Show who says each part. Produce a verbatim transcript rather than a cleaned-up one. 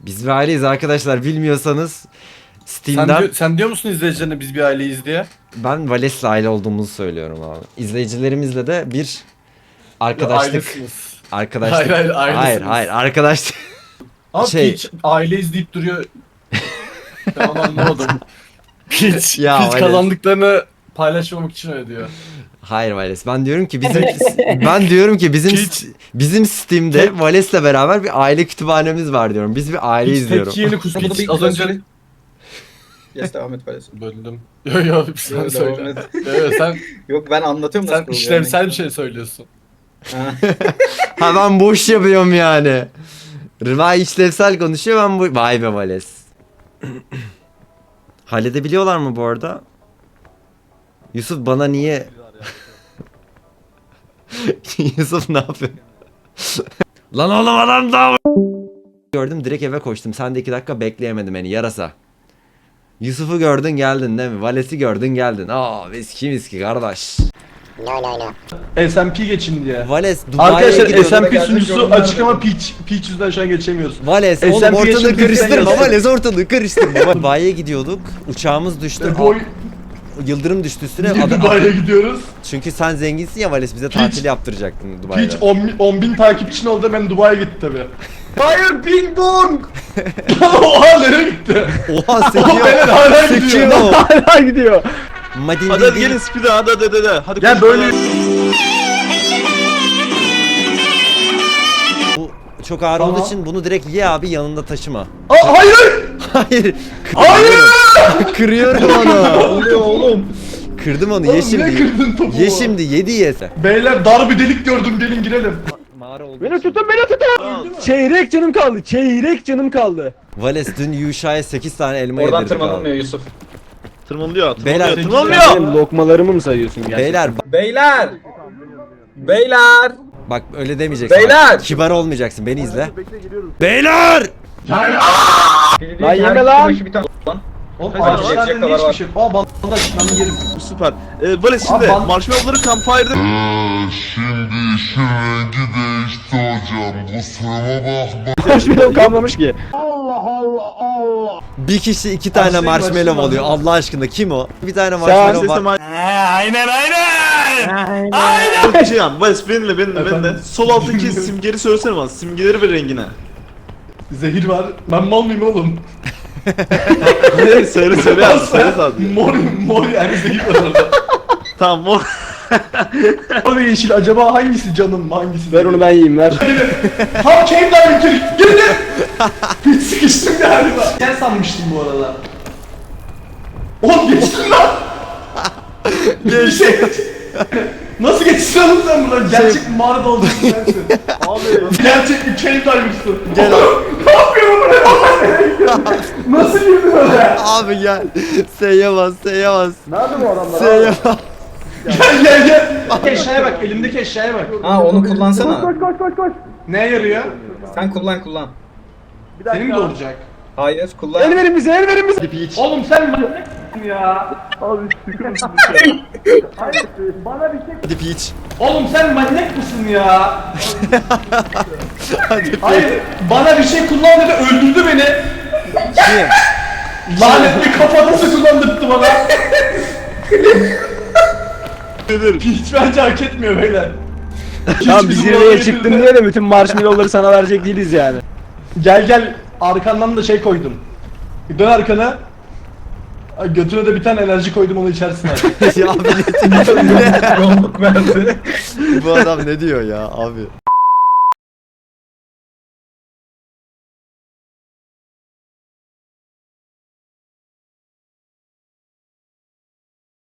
Speaker 1: Biz bir aileyiz arkadaşlar, bilmiyorsanız
Speaker 2: Sen,
Speaker 1: Steam'den
Speaker 2: diyor, sen diyor musun izleyicilerine biz bir aileyiz diye?
Speaker 1: ben Vales'le aile olduğumuzu söylüyorum abi. İzleyicilerimizle de bir arkadaşlık
Speaker 2: Ailesiniz.
Speaker 1: arkadaşlık
Speaker 2: Hayır, hayır,
Speaker 1: hayır
Speaker 2: ailesiniz.
Speaker 1: hayır arkadaşlık
Speaker 2: Ama
Speaker 1: Şey-
Speaker 2: Peach aileyiz deyip duruyor. Ben onu anlamadım. Peach,
Speaker 1: Ya,
Speaker 2: Peach
Speaker 1: öyle.
Speaker 2: kazandıklarını paylaşmamak için öyle diyor.
Speaker 1: hayır Vales, ben diyorum ki bizim ben diyorum ki bizim
Speaker 2: Hiç-
Speaker 1: bizim Steam'de
Speaker 2: Tek-
Speaker 1: Vales'le beraber bir aile kütüphanemiz var diyorum. Biz bir aileyiz
Speaker 2: Peach
Speaker 1: diyorum.
Speaker 2: tek yeni kus.
Speaker 3: Burada
Speaker 2: Peach
Speaker 3: bir
Speaker 2: az önce...
Speaker 3: Yes, devam et Vales.
Speaker 2: Böldüm. Yo yo sen
Speaker 3: Devam
Speaker 2: söyle.
Speaker 3: et.
Speaker 2: Yo, yo, sen
Speaker 3: Yok ben anlatıyorum nasıl
Speaker 2: sen
Speaker 3: kuruluyor
Speaker 2: işlevsel bir şey söylüyorsun.
Speaker 3: yani. Ha.
Speaker 1: Ha, ben boş yapıyorum yani. Rıva işlevsel konuşuyor, ben bu... Vay be Vales. Halledebiliyorlar mı bu arada? Yusuf bana niye... Yusuf ne yapıyor? Lan oğlum adam daha... Gördüm, direkt eve koştum. Sen de iki dakika bekleyemedim beni, yarasa. Yusuf'u gördün geldin değil mi? Vales'i gördün geldin. Aa viski viski kardeş.
Speaker 4: S and P geçin diye.
Speaker 1: Vales Dubai'ye
Speaker 4: Arkadaşlar
Speaker 1: gidiyorduk.
Speaker 4: S and P
Speaker 3: Geldim,
Speaker 4: sunucusu
Speaker 3: gördüm,
Speaker 4: açık
Speaker 3: gördüm.
Speaker 4: ama Peach, Peach yüzünden şu an geçemiyoruz.
Speaker 1: Vales
Speaker 4: S and
Speaker 1: oğlum
Speaker 4: P
Speaker 1: ortalığı
Speaker 4: yaşın
Speaker 1: karıştırma,
Speaker 4: kırktan
Speaker 1: Vales ortalığı karıştırma. Dubai'ye gidiyorduk, uçağımız düştü,
Speaker 4: E, boy,
Speaker 1: yıldırım düştü üstüne.
Speaker 4: niye
Speaker 1: Ada-
Speaker 4: Dubai'ye gidiyoruz?
Speaker 1: Çünkü sen zenginsin ya Vales, bize
Speaker 4: Hiç-
Speaker 1: tatil yaptıracaktın Dubai'de.
Speaker 4: Peach on bin takipçin oldu, ben Dubai'ye gitti tabi. Hayır, Bing Bong! Oha, nereye gitti?
Speaker 1: Oha
Speaker 4: Oha,
Speaker 1: sekiyor.
Speaker 4: beyler hala
Speaker 1: Sekiyor.
Speaker 4: gidiyor. Hala gidiyor.
Speaker 1: Madin
Speaker 5: Hadi hadi gelin speed'e hadi hadi hadi hadi. Hadi
Speaker 4: Gel
Speaker 5: koş.
Speaker 4: böyle.
Speaker 1: Bu çok ağır
Speaker 4: Tamam.
Speaker 1: olduğu için bunu direkt ye abi, yanında taşıma.
Speaker 4: Aa, hayır!
Speaker 1: Hayır.
Speaker 4: Hayır!
Speaker 1: Kırıyorum onu.
Speaker 3: Oluyor oğlum.
Speaker 1: Kırdım onu,
Speaker 4: Oğlum,
Speaker 1: ye
Speaker 4: niye
Speaker 1: şimdi.
Speaker 4: kırdın topumu?
Speaker 1: Ye şimdi, yedi yese.
Speaker 4: Beyler, dar bir delik gördüm, gelin girelim.
Speaker 1: Mağara oldu.
Speaker 6: Beni tutun, beni tutun. Çeyrek canım kaldı. Çeyrek canım kaldı.
Speaker 1: Vales dün Yuşa'ya sekiz tane elma
Speaker 3: Oradan
Speaker 1: yedirdik
Speaker 3: tırmanılmıyor
Speaker 1: abi.
Speaker 3: Yusuf.
Speaker 5: Tırmanılıyor.
Speaker 1: Beyler-
Speaker 5: Tırmanılıyor.
Speaker 6: Sen
Speaker 5: Tırmanılıyor.
Speaker 6: benim lokmalarımı mı sayıyorsun gerçekten?
Speaker 1: Beyler ba-
Speaker 3: Beyler! Beyler!
Speaker 1: bak öyle demeyeceksin.
Speaker 3: Beyler!
Speaker 1: Bak, kibar olmayacaksın, beni izle. Beyler!
Speaker 6: Lan yeme lan!
Speaker 3: Bir tane lan.
Speaker 4: Oğlum,
Speaker 5: Hayır,
Speaker 4: ağaçlarda
Speaker 3: yiyecek
Speaker 4: ne
Speaker 3: kadar
Speaker 4: hiçbir
Speaker 3: var.
Speaker 4: şey yok. Aa, bandaj, ben yerim.
Speaker 5: Süper. Ee, Vales şimdi
Speaker 4: Abi ben-
Speaker 5: marshmallow'ları campfire'da
Speaker 7: Şimdi işin rengi değişti hocam. Kusuruma bakma.
Speaker 6: Marshmallow kalmamış ki.
Speaker 1: Bir kişi iki tane
Speaker 4: Başlayın,
Speaker 1: marshmallow
Speaker 4: başlayın,
Speaker 1: oluyor.
Speaker 4: başlayın.
Speaker 1: Allah aşkına kim o? Bir tane marshmallow
Speaker 5: sesle
Speaker 1: var.
Speaker 5: Bir şey yani Vales benimle benimle benimle. Sol alttaki simgeleri söylesene bana. Simgeleri ve rengine.
Speaker 4: Zehir var. Ben mal mıyım oğlum?
Speaker 5: söyle söyle yani söyle zaten.
Speaker 4: Mor, mor yani zehir var orada.
Speaker 5: Tamam mor.
Speaker 4: Mor ve yeşil, acaba hangisi canım, hangisi?
Speaker 6: Ver onu ben yiyeyim, ver.
Speaker 4: Tam cave diving trick, girdi! Hiç sıkıştım galiba. Sen sanmıştım bu arada. Oğlum geçtin lan! Geçti. Nasıl geçtin oğlum sen buradan? Gerçek bir mağarada olacaksın sensin. Abi. Gerçek bir cave diver'sın.
Speaker 1: Gel abi.
Speaker 4: Ne yapıyorum buraya? Nasıl girdin oraya?
Speaker 1: Abi gel. S'ye bas, S'ye bas.
Speaker 6: Nerede bu adamlar?
Speaker 1: S'ye bas.
Speaker 4: Gel gel gel. Bak eşyaya bak, elimdeki eşyaya bak.
Speaker 3: Ha onu kullansana.
Speaker 6: Koş koş koş koş.
Speaker 4: Neye yarıyor?
Speaker 3: Sen kullan kullan.
Speaker 6: Bir dakika.
Speaker 4: Senin de olacak.
Speaker 3: Hayır kullan.
Speaker 6: El verin bize, el verin bize.
Speaker 4: Oğlum sen manyak mısın ya?
Speaker 6: Abi sıkıntı. Hayır, bana bir şey.
Speaker 1: Hadi Peach.
Speaker 4: Oğlum sen manyak mısın ya?
Speaker 1: Hadi Peach.
Speaker 4: Hayır, bana bir şey kullan dedi, öldürdü beni.
Speaker 1: Kim?
Speaker 4: Lanetli kafatası kullandırdı bana. Hiç bence hak etmiyor beyler.
Speaker 6: Tamam, biz
Speaker 4: bizim
Speaker 6: zirveye
Speaker 4: oraya
Speaker 6: çıktın
Speaker 4: girdi.
Speaker 6: diye de bütün marshmallow'ları sana verecek değiliz yani.
Speaker 4: Gel gel, arkandan da şey koydum. Dön arkana. Ay, götüne de bir tane enerji koydum, onu içersin artık.
Speaker 1: Ya abi ne diyor?
Speaker 3: Yolluk verdi.
Speaker 1: Bu adam ne diyor ya abi?